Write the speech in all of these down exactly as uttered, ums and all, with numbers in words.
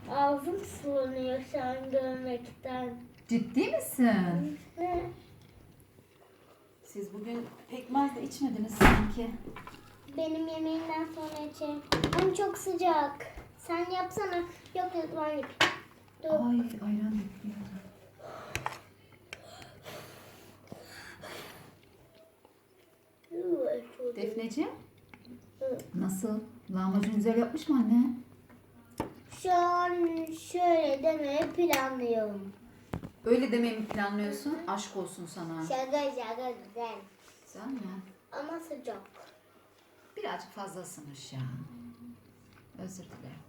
Ağzım sulanıyor şu an görmekten. Ciddi misin? Ne? Siz bugün pekmez de içmediniz sanki. Benim yemeğimden sonra içerim. Hem çok sıcak. Sen yapsana. Yok yok ben yapayım. Dur. Ay ayran yapıyor. Defneciğim Hı. nasıl? Lahmacun güzel yapmış mı anne? Şu an şöyle demeye planlıyorum. Öyle demeyi mi planlıyorsun? Aşk olsun sana. Şaka şaka güzel. Güzel mi? Ama sıcak. Birazcık fazla ısınmış ya. Özür dilerim.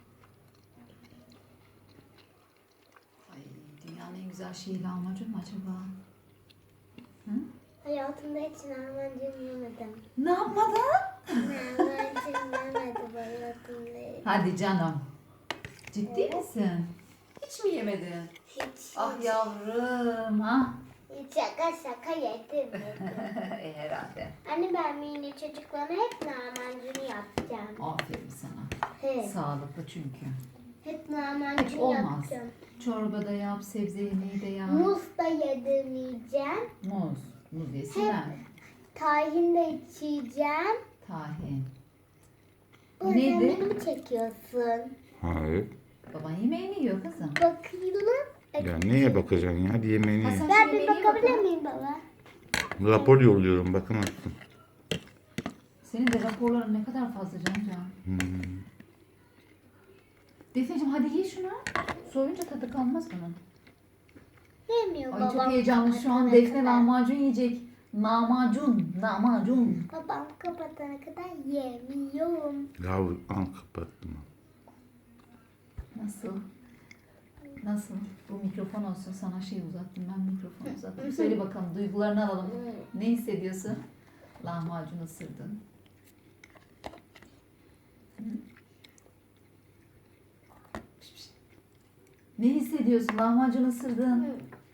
Ay dünyanın en güzel şeyi lahmacun mu acaba? Hı? Hayatımda hiç lahmacun yemedim. Ne yapmadın? Lahmacun yemedim hayatımda. Hadi canım. Ciddi Evet. misin? Hiç mi yemedin? Hiç. Ah hiç. yavrum ha. Hiç şaka şaka yedim. yedim. e, herhalde. Anne ben mini çocuklara hep lahmacun yapacağım. Aferin sana. He. Sağlıklı çünkü. Hep lahmacun Hiç olmaz. yapacağım. Çorba da yap, sebze yemeği de yap. Muz da yedirmeyeceğim. Muz. Muz yesinler. Tahin de içeceğim. Tahin. Bu Neden neydi? beni mi çekiyorsun? Hayır. Baban yemeğini yiyor kızım. Bakıyorum. Ya neye bakacaksın ya? Hadi yemeğini ye. Hasan- Ben bir Yemeğine bakabilir bakalım. miyim baba? Rapor yolluyorum bakamazsın. Senin de raporların ne kadar fazla canım can. Hmm. Defneciğim hadi ye şunu. Soyunca tadı kalmaz bunun. Yemiyor Ay babam. çok heyecanlı şu an kapatana Defne kadar. lahmacun yiyecek. Lahmacun, lahmacun. Babam kapatana kadar yemiyorum. Ya al kapattım. Nasıl? Nasıl? Bu mikrofon olsun sana şey uzattım ben mikrofon uzattım. Söyle bakalım duygularını alalım. Ne hissediyorsun? Lahmacun ısırdın. Hı? Piş piş. Ne hissediyorsun? Lahmacun ısırdın. Hı.